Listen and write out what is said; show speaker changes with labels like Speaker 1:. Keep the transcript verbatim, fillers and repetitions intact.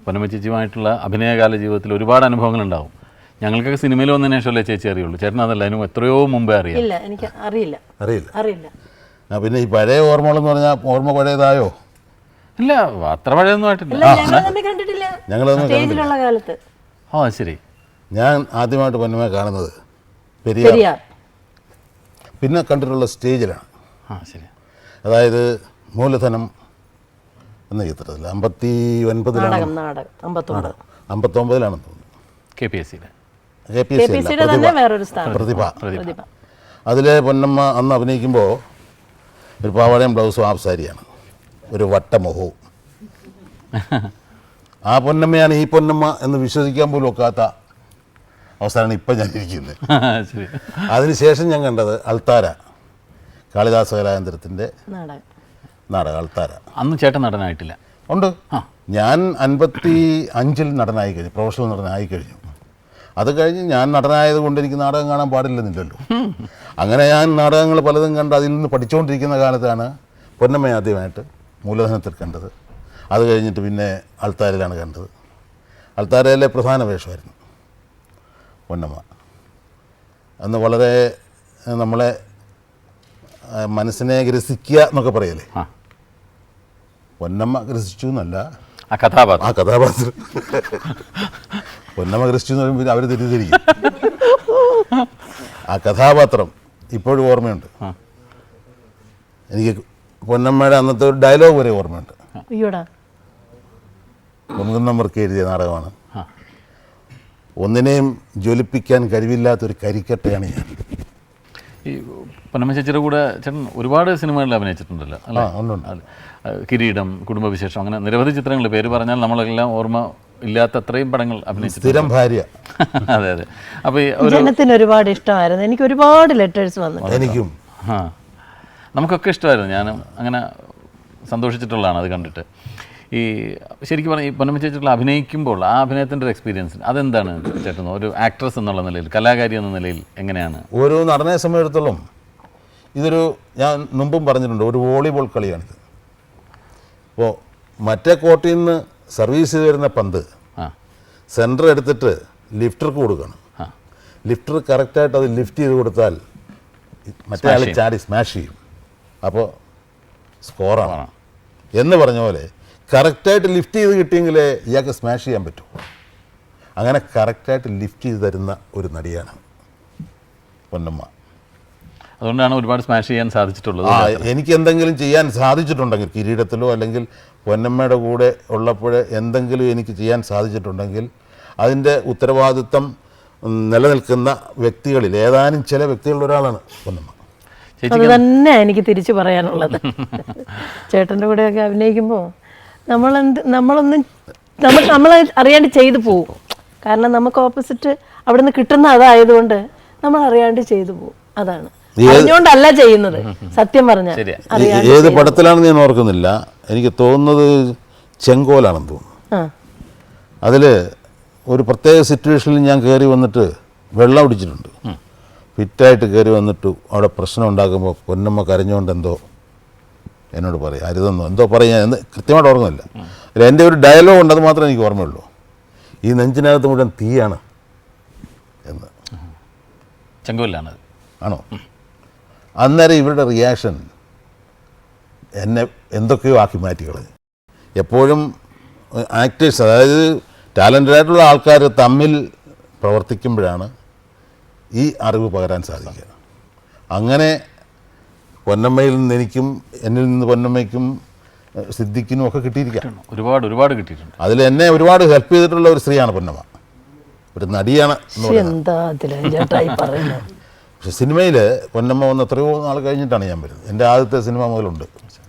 Speaker 1: പൊന്നമ്മ ചേച്ചിയുമായിട്ടുള്ള അഭിനയകാല ജീവിതത്തിൽ ഒരുപാട് അനുഭവങ്ങളുണ്ടാവും. ഞങ്ങൾക്കൊക്കെ സിനിമയിൽ വന്നതിന് ശേഷമല്ലേ ചേച്ചി അറിയുള്ളൂ. ചേട്ടൻ അതല്ല, അതിനും എത്രയോ മുമ്പേ അറിയാം.
Speaker 2: ഇല്ല, എനിക്ക് അറിയില്ല
Speaker 3: അറിയില്ല
Speaker 2: അറിയില്ല
Speaker 3: പിന്നെ ഈ പഴയ ഓർമ്മകളെന്ന് പറഞ്ഞാൽ ഓർമ്മ പഴയതായോ?
Speaker 1: ഇല്ല, അത്ര പഴയൊന്നും ആയിട്ടില്ല.
Speaker 2: ഞങ്ങൾ തമ്മിൽ കണ്ടിട്ടില്ല, സ്റ്റേജിലുള്ള കാലത്ത്.
Speaker 1: ഓ ശരി.
Speaker 3: ഞാൻ ആദ്യമായിട്ട് പൊന്നമ്മയെ കാണുന്നത് പെരിയാർ, പിന്നെ കണ്ടിട്ടുള്ള സ്റ്റേജിലാണ്.
Speaker 1: ആ ശരി.
Speaker 3: അതായത് മൂലധനം എന്ന ചിത്രത്തിൽ അമ്പത്തി ഒൻപതിലാണ് അമ്പത്തൊമ്പതിലാണെന്ന് തോന്നുന്നു.
Speaker 1: കെ പി എസ് സിയുടെ
Speaker 3: കെ പി എസ് സി പ്രതിഭ. അതിലെ പൊന്നമ്മ അന്ന് അഭിനയിക്കുമ്പോൾ ഒരു പാവാടയും ബ്ലൗസും ഹാഫ് സാരിയാണ്, ഒരു വട്ടമുഖവും. ആ പൊന്നമ്മയാണ് ഈ പൊന്നമ്മ എന്ന് വിശ്വസിക്കാൻ പോലും ഒക്കാത്ത അവസ്ഥയാണ് ഇപ്പം ഞാൻ ഇരിക്കുന്നത്. അതിനുശേഷം ഞാൻ കണ്ടത് അൾത്താര, കാളിദാസ കലാകേന്ദ്രത്തിൻ്റെ നാടകം അൾത്താര.
Speaker 1: അന്ന് ചേട്ടൻ നടനായിട്ടില്ല?
Speaker 3: ഉണ്ട്. ഞാൻ അൻപത്തി അഞ്ചിൽ നടനായി കഴിഞ്ഞു, പ്രൊഫഷണൽ നടനായി കഴിഞ്ഞു. അത് കഴിഞ്ഞ് ഞാൻ നടനായത് കൊണ്ട് എനിക്ക് നാടകം കാണാൻ പാടില്ലെന്നില്ലല്ലോ. അങ്ങനെ ഞാൻ നാടകങ്ങൾ പലതും കണ്ട് അതിൽ നിന്ന് പഠിച്ചുകൊണ്ടിരിക്കുന്ന കാലത്താണ് പൊന്നമ്മ ആദ്യമായിട്ട് മൂലധനത്തിൽ കണ്ടത്. അത് കഴിഞ്ഞിട്ട് പിന്നെ അൾത്താരയിലാണ് കണ്ടത്. അൾത്താരയിലെ പ്രധാന വേഷമായിരുന്നു പൊന്നമ്മ. അന്ന് വളരെ നമ്മളെ മനസ്സിനെ ഗ്രസിക്കുക എന്നൊക്കെ പറയല്ലേ, പൊന്നമ്മ ഗ്രസിച്ചു എന്നല്ല,
Speaker 1: ആ കഥാപാത്രം
Speaker 3: ആ കഥാപാത്രം പൊന്നമ്മ ഗ്രസിച്ചു എന്ന് പറയുമ്പോൾ അവർ തെറ്റിദ്ധരിക്കും. ആ കഥാപാത്രം ഇപ്പോഴും ഓർമ്മയുണ്ട് എനിക്ക്. പൊന്നമ്മയുടെ അന്നത്തെ ഒരു ഡയലോഗ് വരെ ഓർമ്മയുണ്ട്. പൊൻകുന്നമ്മർക്ക് എഴുതിയ നാടകമാണ്. ഒന്നിനെയും ജ്വലിപ്പിക്കാൻ കഴിവില്ലാത്തൊരു കരിക്കട്ടയാണ് ഞാൻ.
Speaker 1: ഈ പൊന്നമ്മ ചേച്ചിയുടെ കൂടെ ചേട്ടൻ ഒരുപാട് സിനിമകളിൽ അഭിനയിച്ചിട്ടുണ്ടല്ലോ അല്ലേ? കിരീടം, കുടുംബവിശേഷം, അങ്ങനെ നിരവധി ചിത്രങ്ങൾ. പേര് പറഞ്ഞാൽ നമ്മളെല്ലാം ഓർമ്മ ഇല്ലാത്ത അത്രയും പടങ്ങൾ അഭിനയിച്ചു.
Speaker 3: സ്ഥിരം ഭാര്യ.
Speaker 1: അതെ അതെ. അപ്പോൾ ഈ
Speaker 2: ജനത്തിന് ഒരുപാട് ഇഷ്ടമായിരുന്നു. എനിക്ക് ഒരുപാട് ലെറ്റേഴ്സ് വന്നു.
Speaker 3: എനിക്കും
Speaker 1: ആ നമുക്കൊക്കെ ഇഷ്ടമായിരുന്നു. ഞാനും അങ്ങനെ സന്തോഷിച്ചിട്ടുള്ളതാണ് അത് കണ്ടിട്ട്. ഈ ശരിക്കും പറഞ്ഞാൽ ഈ പൊന്നമ്മ ചേച്ചിയുള്ള അഭിനയിക്കുമ്പോൾ ആ അഭിനയത്തിൻ്റെ ഒരു എക്സ്പീരിയൻസ് അതെന്താണ് ചേട്ടൻ? ഒരു ആക്ട്രസ് എന്നുള്ള നിലയിൽ, കലാകാരി എന്ന നിലയിൽ എങ്ങനെയാണ്?
Speaker 3: ഓരോ നടനെ സമയത്തോളം ഇതൊരു, ഞാൻ മുമ്പും പറഞ്ഞിട്ടുണ്ട്, ഒരു വോളിബോൾ കളിയാണിത്. അപ്പോൾ മറ്റേ കോർട്ടിൽ നിന്ന് സർവീസ് ചെയ്ത് വരുന്ന പന്ത് സെൻറ്റർ എടുത്തിട്ട് ലിഫ്റ്റർക്ക് കൊടുക്കണം. ലിഫ്റ്റർ കറക്റ്റായിട്ട് അത് ലിഫ്റ്റ് ചെയ്ത് കൊടുത്താൽ മറ്റേ ആൾ ചാടി സ്മാഷ് ചെയ്യും. അപ്പോൾ സ്കോറാണ് എന്ന് പറഞ്ഞ പോലെ കറക്റ്റായിട്ട് ലിഫ്റ്റ് ചെയ്ത് കിട്ടിയെങ്കിലേ ഇയാൾക്ക് സ്മാഷ് ചെയ്യാൻ പറ്റൂ. അങ്ങനെ കറക്റ്റായിട്ട് ലിഫ്റ്റ് ചെയ്ത് തരുന്ന ഒരു നടിയാണ് പൊന്നമ്മ.
Speaker 1: അതുകൊണ്ടാണ് ഒരുപാട് സ്മാഷ് ചെയ്യാൻ സാധിച്ചിട്ടുള്ളത്.
Speaker 3: ആ എനിക്ക് എന്തെങ്കിലും ചെയ്യാൻ സാധിച്ചിട്ടുണ്ടെങ്കിൽ, കിരീടത്തിലോ അല്ലെങ്കിൽ പൊന്നമ്മയുടെ കൂടെ ഉള്ളപ്പോൾ എന്തെങ്കിലും എനിക്ക് ചെയ്യാൻ സാധിച്ചിട്ടുണ്ടെങ്കിൽ അതിൻ്റെ ഉത്തരവാദിത്വം നിലനിൽക്കുന്ന വ്യക്തികളിൽ ഏതാനും ചില വ്യക്തികളിൽ ഒരാളാണ് പൊന്നമ്മ.
Speaker 2: അത് തന്നെ എനിക്ക് തിരിച്ചു പറയാനുള്ളത്. ചേട്ടൻ്റെ കൂടെയൊക്കെ അഭിനയിക്കുമ്പോൾ നമ്മളെന്ത് നമ്മളൊന്നും നമ്മൾ നമ്മൾ അറിയാണ്ട് ചെയ്തു പോകും. കാരണം നമുക്ക് ഓപ്പോസിറ്റ് അവിടെ നിന്ന് കിട്ടുന്ന അതായതുകൊണ്ട് നമ്മൾ അറിയാണ്ട് ചെയ്തു പോകും. അതാണ്, അറിഞ്ഞുകൊണ്ടല്ല ചെയ്യുന്നത്. സത്യം പറഞ്ഞാൽ
Speaker 3: ഏത് പടത്തിലാണെന്ന് ഞാൻ ഓർക്കുന്നില്ല. എനിക്ക് തോന്നുന്നത് ചെങ്കോലാണെന്ന് തോന്നുന്നു. അതിൽ ഒരു പ്രത്യേക സിറ്റുവേഷനിൽ ഞാൻ കയറി വന്നിട്ട് വെള്ളം അടിച്ചിട്ടുണ്ട്. ഫിറ്റായിട്ട് കയറി വന്നിട്ട് അവിടെ പ്രശ്നം ഉണ്ടാക്കുമ്പോൾ പൊന്നമ്മ കരഞ്ഞുകൊണ്ട് എന്തോ എന്നോട് പറയും, അരുതെന്നോ എന്തോ പറയാൻ എന്ന് കൃത്യമായിട്ട് ഓർമ്മയില്ല. അതിൽ എൻ്റെ ഒരു ഡയലോഗ് ഉണ്ട്, അത് മാത്രമേ എനിക്ക് ഓർമ്മയുള്ളൂ. ഈ നെഞ്ചിനകത്ത് മുഴുവൻ തീയാണ് എന്ന്.
Speaker 1: ചെങ്കോലാണ്
Speaker 3: ആണോ? അന്നേരം ഇവരുടെ റിയാക്ഷൻ എന്നെ എന്തൊക്കെയോ ആക്കി മാറ്റിക്കളഞ്ഞു. എപ്പോഴും ആക്ടേഴ്സ്, അതായത് ടാലൻറ്റഡ് ആയിട്ടുള്ള ആൾക്കാർ തമ്മിൽ പ്രവർത്തിക്കുമ്പോഴാണ് ഈ അറിവ് പകരാൻ സാധിക്കുക. അങ്ങനെ പൊന്നമ്മയിൽ നിന്ന് എനിക്കും എന്നിൽ നിന്ന് പൊന്നമ്മയ്ക്കും സിദ്ദിഖിനും ഒക്കെ കിട്ടിയിരിക്കാം.
Speaker 1: ഒരുപാട് ഒരുപാട് കിട്ടിയിട്ടുണ്ട്.
Speaker 3: അതിൽ എന്നെ ഒരുപാട് ഹെൽപ്പ് ചെയ്തിട്ടുള്ള ഒരു സ്ത്രീയാണ് പൊന്നമ്മ, ഒരു നടിയാണ്. പക്ഷെ സിനിമയിൽ പൊന്നമ്മ വന്ന് എത്രയോ നാൾ കഴിഞ്ഞിട്ടാണ് ഞാൻ വരുന്നത്. എൻ്റെ ആദ്യത്തെ സിനിമ മുതലുണ്ട്.